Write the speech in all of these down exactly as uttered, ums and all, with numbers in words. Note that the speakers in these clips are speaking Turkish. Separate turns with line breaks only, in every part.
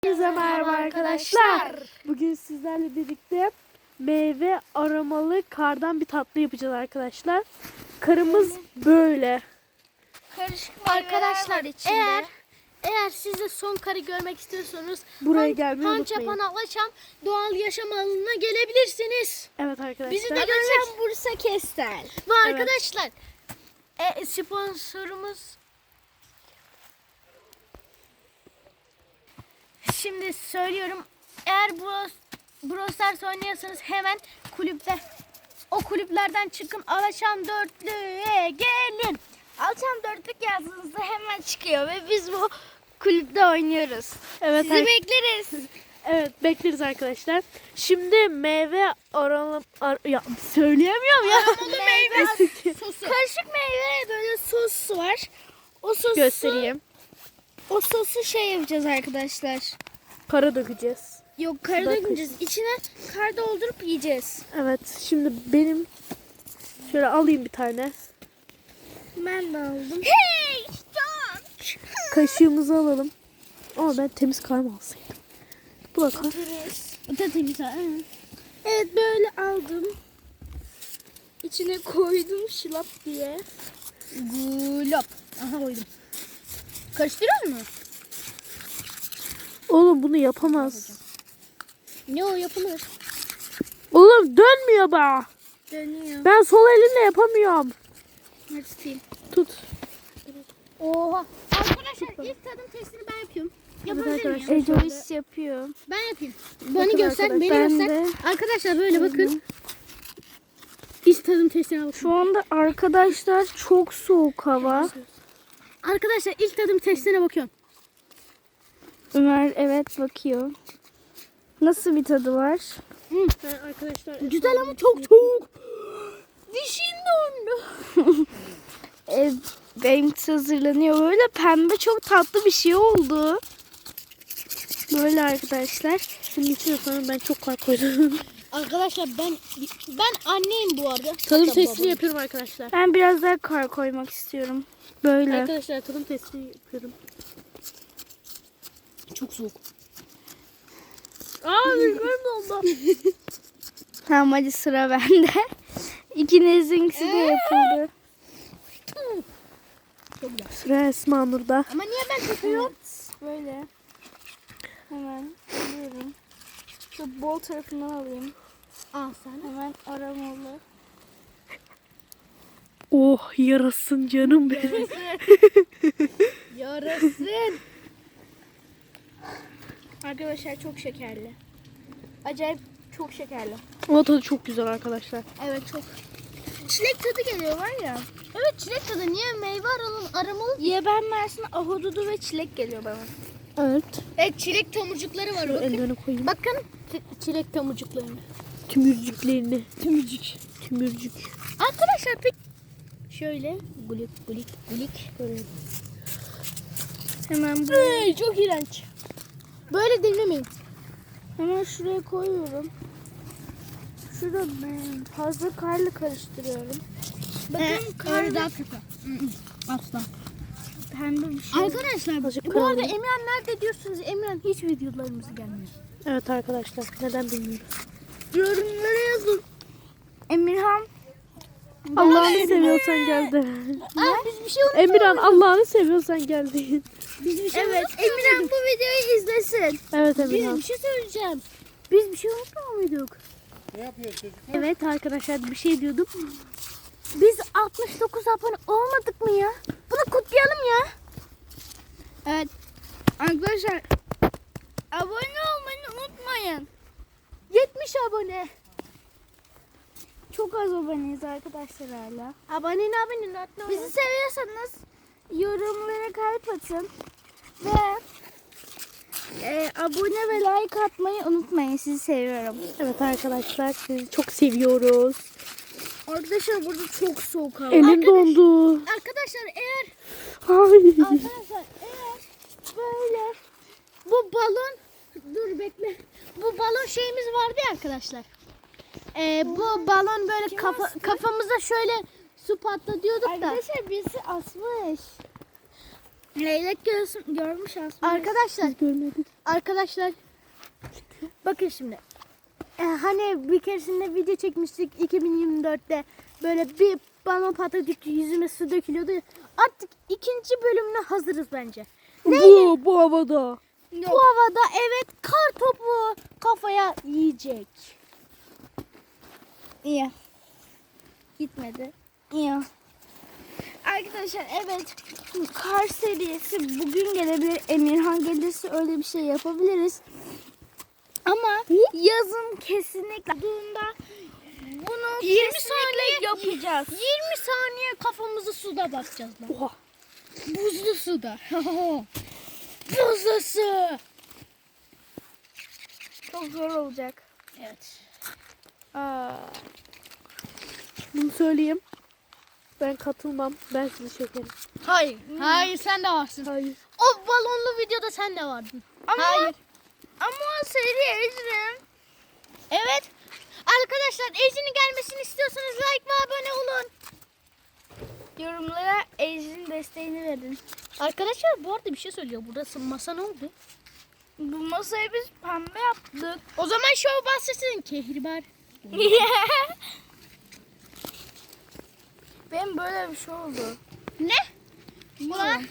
Herkese merhaba arkadaşlar. Bugün sizlerle birlikte meyve aromalı kardan bir tatlı yapacağız arkadaşlar. Karımız böyle.
Karışık
Arkadaşlar
içinde.
eğer eğer siz de son karı görmek istiyorsanız
Buraya gelmeyi
Pança
unutmayın.
Panaklaşam doğal yaşam alanına gelebilirsiniz.
Evet arkadaşlar.
Bizi de görmek
Geçen Bursa Kestel.
ve arkadaşlar e, sponsorumuz şimdi söylüyorum, eğer Bros, Brawl Stars oynuyorsanız hemen kulüpte o kulüplerden çıkın, Alaşan Dörtlü'ye gelin.
Alçam dörtlük yazdığınızda hemen çıkıyor ve biz bu kulüpte oynuyoruz.
Evet,
Sizi
ar-
bekleriz.
evet bekleriz arkadaşlar. Şimdi meyve aromalı ar- ya söyleyemiyorum ya.
Meyve sosu.
Karışık meyve böyle sos var. O sosu
Göstereyim.
O sosu şey yapacağız arkadaşlar.
Kara dökeceğiz.
Yok, kar
Bakın.
dökeceğiz. İçine kar doldurup yiyeceğiz.
Evet, şimdi benim şöyle alayım bir tane.
Ben de aldım. Hey! Stop!
Kaşığımızı alalım. Ama ben temiz kar mı alsaydım? Bu da kar.
O da temiz ha.
Evet, böyle aldım. İçine koydum şılap diye.
Gulop. Aha koydum. Karıştırıyor mu?
Oğlum bunu yapamaz.
Ne o, yapılır.
Oğlum dönmüyor be.
Dönüyor.
Ben sol elimle yapamıyorum.
Hadi tutayım.
Tut.
Oha. Arkadaşlar ilk tadım testini ben yapıyorum. Yapabilir miyim?
arkadaşlar.
Ejois yapıyor.
Ben yapayım. Bana
Bakın
göster,
arkadaşlar,
beni
ben
göster.
de.
Arkadaşlar böyle bakın. İlk tadım testine bakın.
Şu anda arkadaşlar çok soğuk hava.
Arkadaşlar ilk tadım testine bakıyorum.
Ömer evet bakıyor. Nasıl bir tadı var?
Ben arkadaşlar
Güzel ama çok soğuk. Dişin dondu.
E, benimkisi hazırlanıyor. Böyle pembe çok tatlı bir şey oldu. Böyle arkadaşlar.
şimdi içine sanırım ben çok kar koydum.
Arkadaşlar ben ben anneyim bu arada.
Tadım
Hatta
testini
babam.
yapıyorum arkadaşlar.
Ben biraz daha kar koymak istiyorum. Böyle.
Arkadaşlar tadım testini yapıyorum.
Çok soğuk.
Aa bir oldu.
Tamam, hadi sıra bende. İkinizinkisi de yapıldı.
Çok güzel.
Sıra Esma Nur'da.
Ama niye ben tutuyorum?
Böyle. Hemen alıyorum. Şu bol tarafından alayım.
Al sen.
Hemen aromalı.
Oh yarasın canım benim.
Yarasın.
Arkadaşlar çok şekerli. Acayip çok şekerli.
O tadı çok güzel arkadaşlar.
Evet, çok. Çilek tadı geliyor var ya.
Evet, çilek tadı. Niye meyve aromalı? aromalı?
Yeben Mersin ahududu ve çilek geliyor bana.
Evet.
Evet, çilek tomurcukları var.
Şöyle
Bakın.
ellerine koyayım.
Bakın ç- çilek tomurcuklarını.
Tümürcüklerini.
Tümücük.
Tümürcük.
Arkadaşlar pek şöyle gulik gulik gulik. Böyle.
Hemen buraya,
Hey, çok iğrenç. Böyle dinlemeyin.
hemen şuraya koyuyorum. Şurada ben fazla karlı karıştırıyorum. Bakın
Ee,
karlı
öyle daha kötü. Asla.
pembe bir şey.
Arkadaşlar
Azıcık
bu arada
karanlık.
Emirhan nerede diyorsunuz? Emirhan hiç videolarımız gelmiyor.
Evet arkadaşlar neden bilmiyorum.
Yorumlara yazın.
Emirhan.
Allah'ını seviyorsan gel de.
Aa, biz bir şey unuttuk.
Emirhan Allah'ını seviyorsan gel deyin.
Biz bir şey
Evet,
unuttuk.
Emirhan bu videoyu izlesin.
Evet
Biz
Emirhan.
bir şey söyleyeceğim. Biz bir şey unutmuyor muyduk?
Evet arkadaşlar bir şey diyordum.
Biz altmış dokuz abone olmadık mı ya? Bunu kutlayalım ya.
Evet. Arkadaşlar abone olmayı unutmayın.
yetmiş abone.
Çok az aboneyiz arkadaşlar hala.
Abone ne abone ne abone.
Bizi seviyorsanız yorumlara kalp atın ve e, abone ve like atmayı unutmayın. Sizi seviyorum.
Evet arkadaşlar sizi çok seviyoruz.
Arkadaşlar burada çok soğuk hava.
Elim dondu.
Arkadaşlar eğer
Ay.
arkadaşlar eğer böyle bu balon dur bekle. Bu balon şeyimiz vardı ya arkadaşlar. Ee, bu balon böyle kafa, kafamıza şöyle su patlatıyorduk da.
Arkadaşlar birisi asmış. Leylek görsün, görmüş aslında.
Arkadaşlar,
Görmedik.
arkadaşlar bakın şimdi. E, hani bir keresinde video çekmiştik iki bin yirmi dörtte. Böyle bir balon patladık, yüzüme su dökülüyordu. Artık ikinci bölümüne hazırız bence.
Bu, bu havada.
Bu havada evet kar topu kafaya yiyecek.
İyi. Gitmedi. İyi. Arkadaşlar evet kar serisi bugün gelebilir. Emirhan gelirse öyle bir şey yapabiliriz. Ama yazın kesinlikle olduğunda bunu
yirmi
kesinlikle
saniye
yapacağız.
yirmi saniye kafamızı suda batacağız lan.
Oha.
Buzlu suda. Buzlu su.
Çok zor olacak.
Evet.
Aa,
Bunu söyleyeyim. Ben katılmam. Ben sizi çekerim.
Hayır. Hayır sen de varsın.
Hayır.
O balonlu videoda sen de vardın.
ama
Hayır.
ama o seri Ecrin.
Evet. Arkadaşlar Ejin'in gelmesini istiyorsanız like ve abone olun.
Yorumlara Ecrin desteğini verin.
Arkadaşlar bu arada bir şey söylüyor. Burası masa ne oldu?
Bu masayı biz pembe yaptık.
O zaman şov bahsetsin. Kehribar.
Benim böyle bir şey oldu.
Ne? Ulan.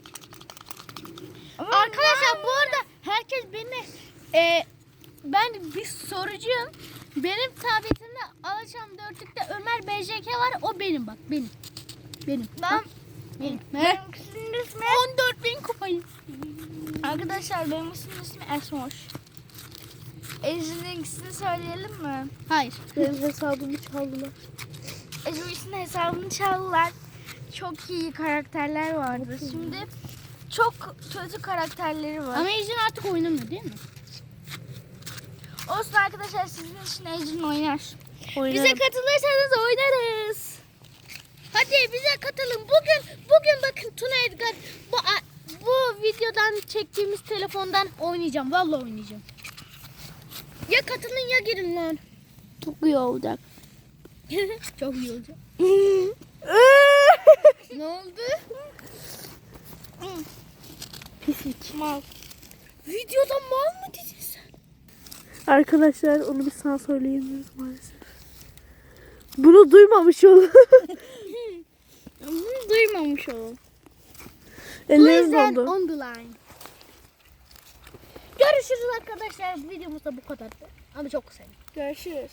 Ama
Arkadaşlar bu arada herkes beni e, ben bir sorucuyum. Benim tabletimde Alaçam dörtlükte Ömer B J K var. O benim bak benim. Benim.
ben
Bak, benim. He?
benimkisinin ismi
on dört bin kupayım.
arkadaşlar benimkisinin ismi Esmoş. Ecrin'inkisini söyleyelim mi?
Hayır.
Benim hesabımı çaldılar.
Ecrin'in hesabını çaldılar. Çok iyi karakterler vardı. Şimdi çok kötü karakterleri var.
Ama Ejin artık oynamıyor değil mi?
Olsun arkadaşlar sizin için Ecrin oynar.
Oynarım.
Bize katılırsanız oynarız.
Hadi bize katılın. Bugün bugün bakın Tuna Edgar bu bu videodan çektiğimiz telefondan oynayacağım. Vallahi oynayacağım. Ya katılın ya girin lan.
Çok iyi olacak.
Çok iyi olacak. Ne oldu?
Pislik.
Mal.
Videoda mal mı dedin sen?
Arkadaşlar onu biz sana söyleyemiyoruz maalesef. Bunu duymamış olun.
Bunu duymamış olun.
Ellerim dondu.
on the line. Görüşürüz arkadaşlar. Videomuzda bu kadardı. Ama çok kısa.
Görüşürüz.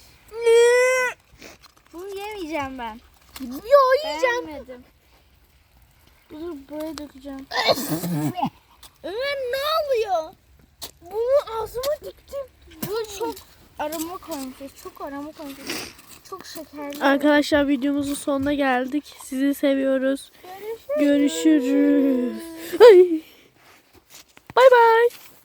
Bunu yemeyeceğim ben.
Yo yiyeceğim.
Beğenmedim. Dur buraya dökeceğim.
Ömer ne oluyor? Bunu ağzıma diktim.
Bu çok aroma koymuşuz. Çok aroma koymuşuz. Çok şekerli.
Arkadaşlar videomuzun sonuna geldik. Sizi seviyoruz.
Görüşürüz.
Görüşürüz. Ay. Bay bay.